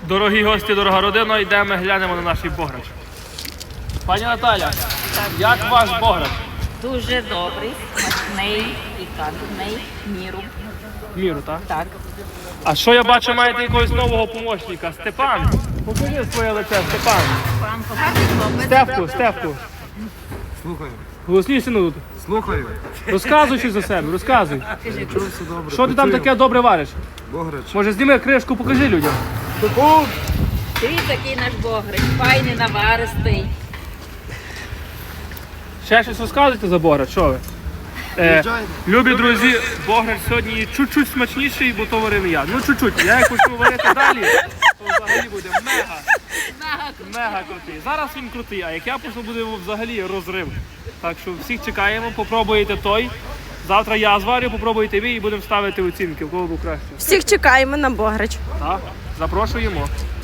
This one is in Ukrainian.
Дорогі гості, дорога родина, йдемо глянемо на наш бограч. Пані Наталя, як ваш бограч? Дуже добрий, смачний і кадний, міру. Міру, так? Так. А що я бачу, маєте якогось нового помощника? Степан, покажи своє лице, Степан. Пан поганий хлопець. Стефку. Слухаю. Голосніше, ну, Слухаю. розказуй щось за себе, розказуй. Чув все добре. Що ти там таке добре вариш? Бограч. Може, зніми кришку, покажи людям. Ти такий наш богрич, файний, наваристий. Ще щось розказуйте за бограч, що ви? Любі друзі, бограч сьогодні чуть-чуть смачніший, бо то варив я. Ну чуть-чуть. Я як почну варити далі, то взагалі буде мега крутий. Зараз він крутий, а як я почну, буде взагалі розрив. Так що всіх чекаємо, попробуйте той. Завтра я зварю, попробуйте ви і будемо ставити оцінки, в кого був краще. Всіх чекаємо на бограч. Так, запрошуємо.